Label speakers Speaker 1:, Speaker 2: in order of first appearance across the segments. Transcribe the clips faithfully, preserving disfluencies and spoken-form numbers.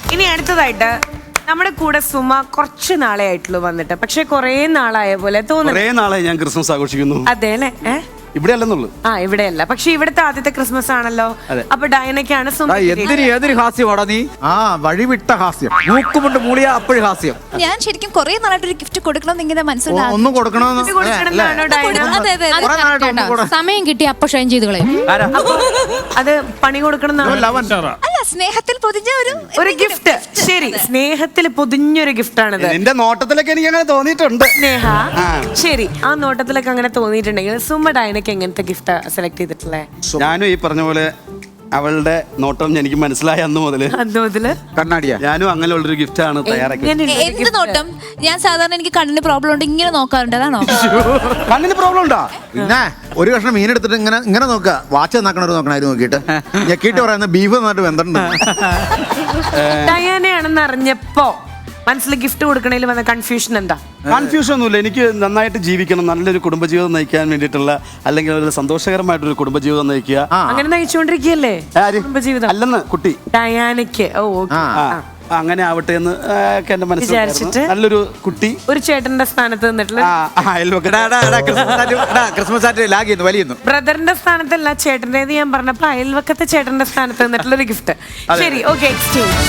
Speaker 1: ഇനി അടുത്തതായിട്ട് നമ്മുടെ കൂടെ സുമ കുറച്ച് നാളെ ആയിട്ടുള്ളൂ വന്നിട്ട്, പക്ഷെ കൊറേ നാളായ പോലെ തോന്നുന്നു.
Speaker 2: കുറേ നാളെ ഞാൻ ക്രിസ്മസ് ആഘോഷിക്കുന്നു.
Speaker 1: അതെ അല്ലേ? ഏഹ്
Speaker 2: ഇവിടെ അല്ലെന്നുള്ളു.
Speaker 1: ആ ഇവിടെയല്ല, പക്ഷെ ഇവിടുത്തെ ആദ്യത്തെ ക്രിസ്മസ് ആണല്ലോ. അപ്പൊ ഡയനക്കാണ്
Speaker 3: എന്തിന് ഏതൊരു ഹാസ്യമാടാ നീ? ആ വഴിവിട്ട ഹാസ്യം. മൂക്കുമുണ്ട് മൂളിയ അപ്പോഴും ഹാസ്യം.
Speaker 4: ഞാൻ ശരിക്കും കൊറേ നാളായിട്ട് ഒരു ഗിഫ്റ്റ് കൊടുക്കണം ഇങ്ങനെ മനസ്സിലായി.
Speaker 3: ഒന്നും കൊടുക്കണമെന്ന്
Speaker 5: സമയം കിട്ടി അപ്പൊ ഷൈൻ ചെയ്ത് കളയും.
Speaker 1: അത് പണി കൊടുക്കണം.
Speaker 4: അല്ല, സ്നേഹത്തിൽ പൊതിഞ്ഞ ഒരു
Speaker 1: ഒരു ഗിഫ്റ്റ്. ശരി, സ്നേഹത്തിൽ പൊതിഞ്ഞൊരു ഗിഫ്റ്റ് ആണിത്.
Speaker 2: നിന്റെ നോട്ടത്തിലൊക്കെ എനിക്ക് അങ്ങനെ തോന്നിയിട്ടുണ്ട്.
Speaker 1: സ്നേഹ, ശരി, ആ നോട്ടത്തിലൊക്കെ അങ്ങനെ തോന്നിയിട്ടുണ്ടെങ്കിൽ സുമ ഡയനക്ക് എങ്ങനത്തെ ഗിഫ്റ്റ് സെലക്ട് ചെയ്തിട്ടുള്ളേ?
Speaker 2: ഞാനും ഈ പറഞ്ഞ പോലെ അവളുടെ നോട്ടം എനിക്ക് മനസ്സിലായ അന്ന് മുതല്
Speaker 1: അന്ന് മുതല്
Speaker 3: കണ്ണാടിയാ
Speaker 2: ഞാനും അങ്ങനെയുള്ളൊരു ഗിഫ്റ്റ് ആണ് തയ്യാറാക്കി.
Speaker 4: എന്ത് നോട്ടം? ഞാൻ സാധാരണ എനിക്ക് കണ്ണിന് പ്രോബ്ലം ഉണ്ട്, ഇങ്ങനെ നോക്കാറുണ്ട്, അതാണോ?
Speaker 2: കണ്ണിന് പ്രോബ്ലം ഉണ്ടോ?
Speaker 3: പിന്നെ ഒരു കഷ്ണം മീൻ എടുത്തിട്ട് ഇങ്ങനെ ഇങ്ങനെ നോക്കുക. വാച്ച് നോക്കണവർ നോക്കണായിരുന്നു നോക്കിയിട്ട് ഞെക്കിയിട്ട് പറയുന്ന ബീഫ് നന്നായിട്ട് വെന്തിട്ടുണ്ട്.
Speaker 1: ഡയാനയാണെന്ന് അറിഞ്ഞപ്പോ മനസ്സിൽ ഗിഫ്റ്റ് കൊടുക്കണേൽ വന്ന കൺഫ്യൂഷൻ എന്താ?
Speaker 2: കൺഫ്യൂഷൻ ഒന്നുമില്ല. എനിക്ക് നന്നായിട്ട് ജീവിക്കണം, നല്ലൊരു കുടുംബജീവിതം നയിക്കാൻ വേണ്ടിയിട്ടുള്ള, അല്ലെങ്കിൽ ഒരു സന്തോഷകരമായിട്ടൊരു കുടുംബജീവിതം നയിക്കുക.
Speaker 1: അങ്ങനെ നയിച്ചുകൊണ്ടിരിക്കുകയല്ലേ കുടുംബജീവിതം?
Speaker 2: അല്ലെന്ന് കുട്ടി
Speaker 1: ഡയാനയ്ക്ക്. ഓ ഓക്കെ,
Speaker 2: അങ്ങനെ ആവട്ടെ എന്ന് ഒക്കെ എന്റെ മനസ്സിൽ
Speaker 1: വിചാരിച്ചിട്ട്
Speaker 2: നല്ലൊരു കുട്ടി
Speaker 1: ഒരു ചേട്ടന്റെ സ്ഥാനത്ത് നിന്നിട്ടുള്ള
Speaker 3: ക്രിസ്മസ് ആയിട്ട് ലാഗ് ചെയ്യുന്നു, വലിയുന്നു.
Speaker 1: ബ്രദറിന്റെ സ്ഥാനത്തല്ല ചേട്ടൻ്റെത് ഞാൻ പറഞ്ഞപ്പോ അയൽവക്കത്തെ ചേട്ടന്റെ സ്ഥാനത്ത് നിന്നിട്ടുള്ള ഒരു ഗിഫ്റ്റ്. ശരി, ഓക്കെ, എക്സ്ചേഞ്ച്.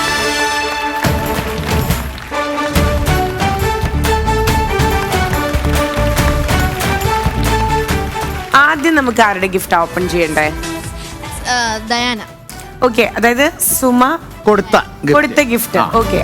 Speaker 1: ആദ്യം നമുക്ക് ആരുടെ ഗിഫ്റ്റ് ഓപ്പൺ ചെയ്യണ്ടേ?
Speaker 4: ഡയാന.
Speaker 1: ഓക്കെ, അതായത് സുമ
Speaker 3: കൊടുത്ത
Speaker 1: കൊടുത്ത ഗിഫ്റ്റ്. ഓക്കെ,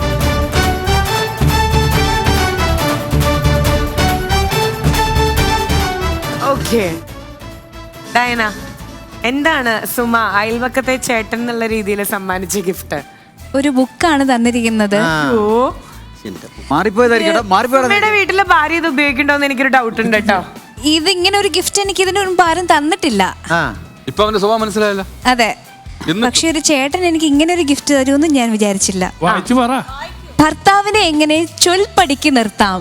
Speaker 1: ഓക്കെ, ഡയന, എന്താണ് സുമ അയൽവക്കത്തെ ചേട്ടൻ എന്നുള്ള രീതിയിൽ സമ്മാനിച്ച ഗിഫ്റ്റ്?
Speaker 4: ഒരു ബുക്കാണ് തന്നിരിക്കുന്നത്.
Speaker 1: ഓ,
Speaker 3: മാറിപ്പോയതായിരിക്കും.
Speaker 1: സുമയുടെ വീട്ടിലെ ഭാര്യ ഇത് ഉപയോഗിക്കണ്ടോന്ന് എനിക്കൊരു ഡൗട്ട് ഉണ്ട് കേട്ടോ.
Speaker 4: ഇതിങ്ങനെ ഒരു ഗിഫ്റ്റ് എനിക്ക് ഇതിനു മുൻപ് ആരും തന്നിട്ടില്ല.
Speaker 6: ഇപ്പൊ അവന്റെ സ്വഭാവം മനസ്സിലായല്ലോ.
Speaker 4: അതെ, പക്ഷെ ഒരു ചേട്ടൻ എനിക്ക് ഇങ്ങനെ ഒരു ഗിഫ്റ്റ് തരുമെന്ന് ഞാൻ വിചാരിച്ചില്ല. ഭർത്താവിനെ എങ്ങനെ ചൊൽപ്പടിക്ക് നിർത്താം?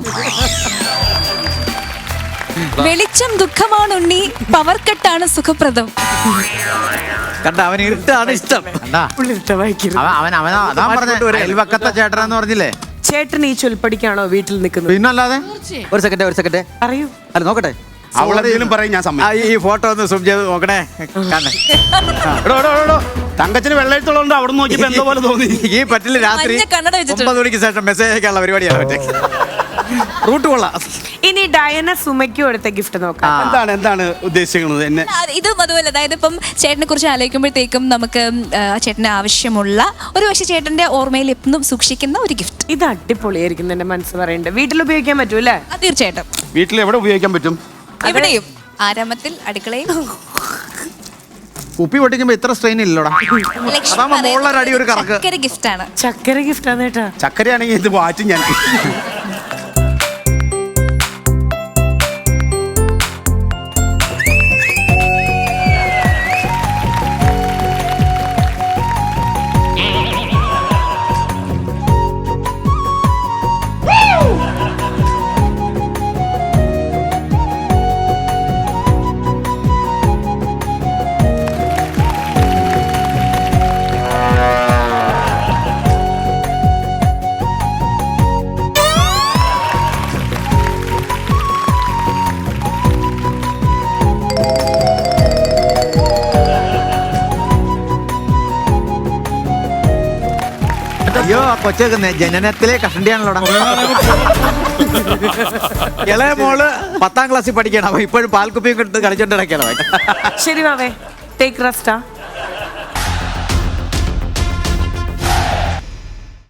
Speaker 4: വെളിച്ചം ദുഃഖമാണുണ്ണി, പവർ കട്ടാണ് സുഖപ്രദം.
Speaker 3: കണ്ട, അവൻ ഇരുട്ടാണ് ഇഷ്ടം. അവൻ അവൻ അതാ പറഞ്ഞ അയൽവക്കത്തെ ചേട്ടനെന്ന് പറഞ്ഞില്ലേ?
Speaker 1: ചേട്ടൻ ഈ ചൊൽപ്പടിക്കാണോ വീട്ടിൽ നിൽക്കുന്നത്?
Speaker 3: പിന്നല്ലാതെ. ഒരു സെക്കൻഡ് ഒരു സെക്കൻഡ്
Speaker 1: അറിയൂ.
Speaker 3: അല്ല നോക്കട്ടെ,
Speaker 2: അവളെന്തെങ്കിലും പറയും ഞാൻ സമ്മതിക്കും.
Speaker 3: ഈ ഫോട്ടോ ഒന്ന് സൂം ചെയ്ത് നോക്കണേ.
Speaker 2: തങ്കച്ചിന് വെള്ളയെഴുത്തുള്ളതുകൊണ്ട് അവിടെ നോക്കിയപ്പോ എന്തോ പോലെ തോന്നി.
Speaker 3: ഈ പറ്റില്ല, രാത്രി ഒമ്പത് മണിക്ക് ശേഷം മെസ്സേജ് അയക്കാനുള്ള പരിപാടിയാണ് മറ്റേ. റൂട്ട് കൊള്ളാം.
Speaker 1: ഇനി ഡയന സുമയ്ക്ക് കൊടുത്ത ഗിഫ്റ്റ് നോക്കാം.
Speaker 2: എന്താണ് എന്താണ് ഉദ്ദേശിക്കുന്നത്? എന്നെ
Speaker 4: ഇതും അതുപോലെ, അതായത് ഇപ്പം ചേട്ടനെ കുറിച്ച് ആലോചിക്കുമ്പോഴത്തേക്കും നമുക്ക് ചേട്ടന് ആവശ്യമുള്ള ഒരു പക്ഷേ ചേട്ടന്റെ ഓർമ്മയിൽ എന്നും സൂക്ഷിക്കുന്ന ഒരു ഗിഫ്റ്റ്.
Speaker 1: ഇത് അടിപൊളിയായിരിക്കും എന്റെ മനസ്സ് പറയുന്നുണ്ട്. വീട്ടിൽ ഉപയോഗിക്കാൻ പറ്റൂല്ലേ?
Speaker 4: തീർച്ചയായിട്ടും
Speaker 2: വീട്ടിൽ എവിടെ ഉപയോഗിക്കാൻ പറ്റും?
Speaker 4: എവിടെയും, ആരാമത്തിൽ, അടുക്കളയും.
Speaker 3: കുപ്പി പൊട്ടിക്കുമ്പോ ഇത്ര സ്ട്രെയിൻ ഇല്ലല്ലോടാ. അതാകുമ്പോ മുകളിലൊരു അടി ഒരു കറക്ക്.
Speaker 4: ചക്കര ഗിഫ്റ്റ് ആണ്.
Speaker 1: ചക്കര ഗിഫ്റ്റ് ആണ് കേട്ടാ.
Speaker 2: ചക്കരയാണെങ്കിൽ ഇത് വാറ്റും ഞാൻ.
Speaker 3: അയ്യോ, കൊച്ചേക്കുന്നേ ജനനത്തിലെ കഷണ്ടിയാണല്ലോടാ. ഇളയ മോള് പത്താം ക്ലാസ്സിൽ പഠിക്കണം, അപ്പൊ ഇപ്പോഴും പാൽക്കുപ്പിയും കളിച്ചോണ്ട് കിടക്കണം.
Speaker 1: ശരി മാവേ, ടേക്ക് റെസ്റ്റ്.